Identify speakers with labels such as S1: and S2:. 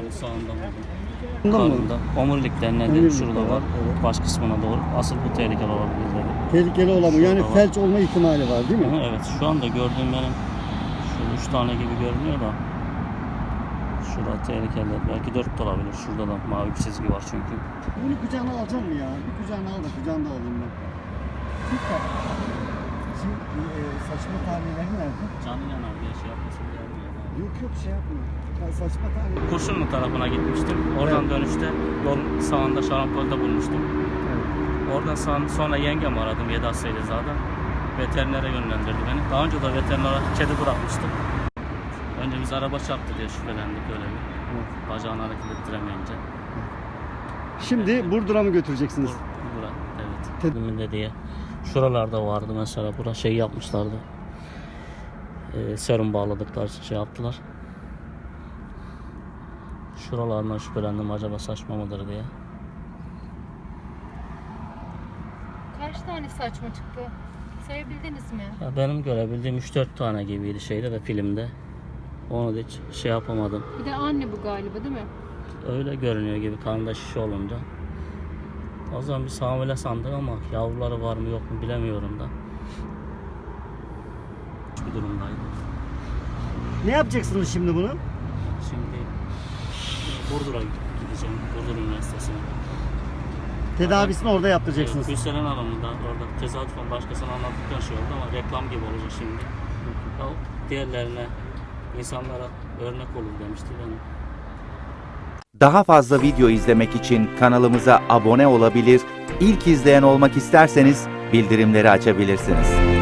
S1: Sağında buldum.
S2: Bunda mı?
S1: Karnında. Omurilikten nedir?
S2: Omurilik
S1: Şurada
S2: var,
S1: var.
S2: evet.
S1: Baş kısmına doğru. Asıl bu tehlikeli olabilir dedi.
S2: Tehlikeli olamıyor. Yani
S1: Şurada var.
S2: felç olma ihtimali var değil mi?
S1: Hı, evet. Şu anda gördüğüm benim şu 3 tane gibi görünüyor da. Şurada tehlikeli. Belki 4 de olabilir. Şurada da mavi bir çizgi var çünkü.
S2: Bunu kucağına alacak mı ya? Bir kucağına al da kucağında alayım ben. Süper. Şimdi saçma tahminleri nerede?
S1: Canı yanar diye şey yapmasın diye.
S2: Yok şey yapmıyor. Ben saçma tahminleri.
S1: Kurşunlu tarafına gitmiştim. Oradan dönüşte yol sağında şarampolda bulmuştum.
S2: Evet.
S1: Oradan sonra yengem aradım 7 Asyaylıza'da. Veterinere yönlendirdi beni. Daha önce de veterinere kedi bırakmıştım. Önce biz araba çarptı diye şüphelendik öyle bir.
S2: Evet.
S1: Bacağını hareket ettiremeyince.
S2: Şimdi Burdur'a mı götüreceksiniz?
S1: Bura, evet. Tediminde diye. Şuralarda vardı mesela. Bura şey yapmışlardı. Serum bağladıkları için şey yaptılar. Şuralarından şüphelendim acaba saçma mıdır diye.
S3: Kaç tane saçma çıktı? Sayabildiniz mi?
S1: Ya benim görebildiğim 3-4 tane gibiydi şeyde de filmde. Onu da hiç şey yapamadım.
S3: Bir de anne bu galiba değil mi?
S1: Öyle görünüyor gibi karnında şişe olunca. O zaman bir hamile sandık ama yavruları var mı yok mu bilemiyorum da. Bir durumdaydı.
S2: Ne yapacaksınız şimdi bunu?
S1: Şimdi Burdur'a gideceğim. Burdur Üniversitesi'ne.
S2: Tedavisini orada yaptıracaksınız.
S1: Gülseren Hanım'ı da orada tesadüfen başkasına anlattıktan şey oldu ama reklam gibi olacak şimdi. O diğerlerine, insanlara örnek olur demişti benim.
S4: Daha fazla video izlemek için kanalımıza abone olabilir, ilk izleyen olmak isterseniz bildirimleri açabilirsiniz.